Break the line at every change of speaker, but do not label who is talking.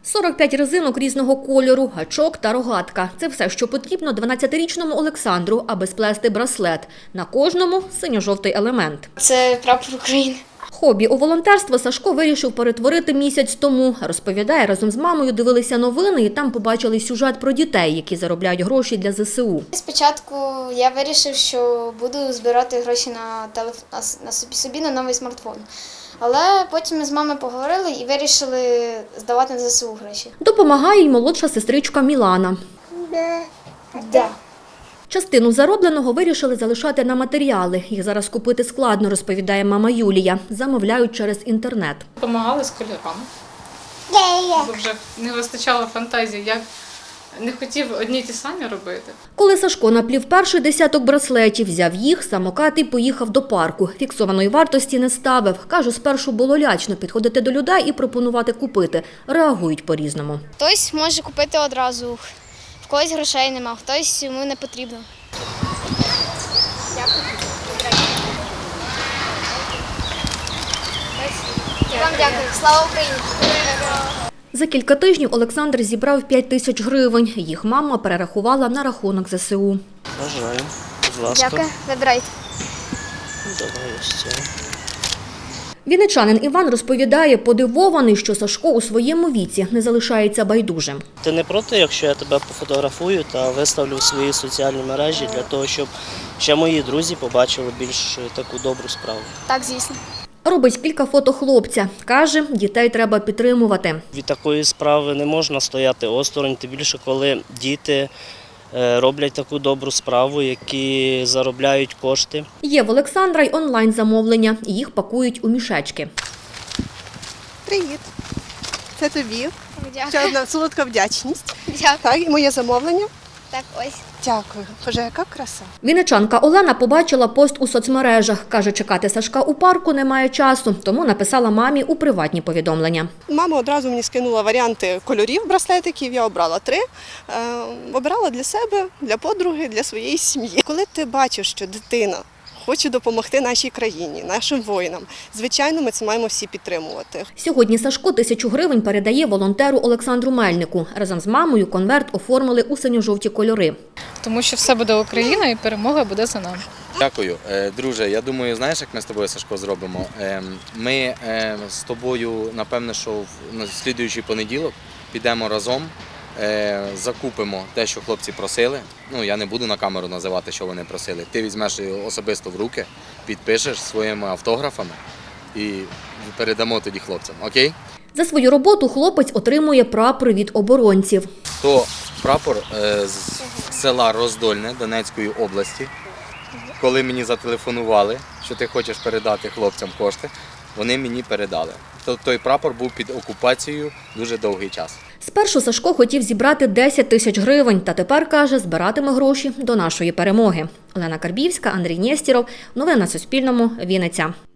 45 резинок різного кольору, гачок та рогатка. Це все, що потрібно 12-річному Олександру, аби сплести браслет. На кожному – синьо-жовтий елемент.
Це прапор України.
Хобі у волонтерство Сашко вирішив перетворити місяць тому. Розповідає, разом з мамою дивилися новини і там побачили сюжет про дітей, які заробляють гроші для ЗСУ.
Спочатку я вирішив, що буду збирати гроші собі на новий смартфон. Але потім ми з мамою поговорили і вирішили здавати на ЗСУ гроші.
Допомагає й молодша сестричка Мілана.
Да.
Частину заробленого вирішили залишати на матеріали. Їх зараз купити складно, розповідає мама Юлія. Замовляють через інтернет.
Допомагали з кольорами. Бо вже не вистачало фантазії, як не хотів одні й ті самі робити.
Коли Сашко наплів перший десяток браслетів, взяв їх, самокат і поїхав до парку. Фіксованої вартості не ставив. Каже, спершу було лячно підходити до людей і пропонувати купити. Реагують по-різному.
Хтось може купити одразу, в когось грошей нема, хтось йому не потрібно. Дякую. Вам дякую. Слава Україні!
За кілька тижнів Олександр зібрав 5 тисяч гривень. Їх мама перерахувала на рахунок ЗСУ.
Бажаю. Будь ласка.
Дякую. Вибирайте.
Давай ось це.
Вінничанин Іван розповідає, подивований, що Сашко у своєму віці не залишається байдужим.
Ти не проти, якщо я тебе пофотографую та виставлю в свої соціальні мережі для того, щоб ще мої друзі побачили більш таку добру справу?
Так, звісно.
Робить кілька фото хлопця. Каже, дітей треба підтримувати.
Від такої справи не можна стояти осторонь, тим більше, коли діти роблять таку добру справу, які заробляють кошти.
Є в Олександра й онлайн-замовлення. Їх пакують у мішечки.
Привіт. Це тобі.
Дякую.
Ще одна солодка вдячність.
Дякую.
Так, і моє замовлення.
Так, ось.
Дякую. Боже, яка краса.
Вінничанка Олена побачила пост у соцмережах. Каже, чекати Сашка у парку немає часу, тому написала мамі у приватні повідомлення.
Мама одразу мені скинула варіанти кольорів браслетиків, я обрала 3. Обирала для себе, для подруги, для своєї сім'ї. Коли ти бачиш, що дитина хоче допомогти нашій країні, нашим воїнам, звичайно, ми це маємо всі підтримувати.
Сьогодні Сашко 1000 гривень передає волонтеру Олександру Мельнику. Разом з мамою конверт оформили у синьо-жовті кольори.
Тому що все буде Україна і перемога буде за нами.
Дякую. Друже, я думаю, знаєш, як ми з тобою, Сашко, зробимо? Ми з тобою, напевне, що в слідуючий понеділок підемо разом, закупимо те, що хлопці просили. Ну, я не буду на камеру називати, що вони просили. Ти візьмеш його особисто в руки, підпишеш своїми автографами і передамо тоді хлопцям, окей?
За свою роботу хлопець отримує прапор від оборонців.
То прапор з села Роздольне Донецької області. Коли мені зателефонували, що ти хочеш передати хлопцям кошти, вони мені передали. Той прапор був під окупацією дуже довгий час.
Спершу Сашко хотів зібрати 10 тисяч гривень, та тепер, каже, збиратиме гроші до нашої перемоги. Олена Карбівська, Андрій Нєстєров. Новини на Суспільному. Вінниця.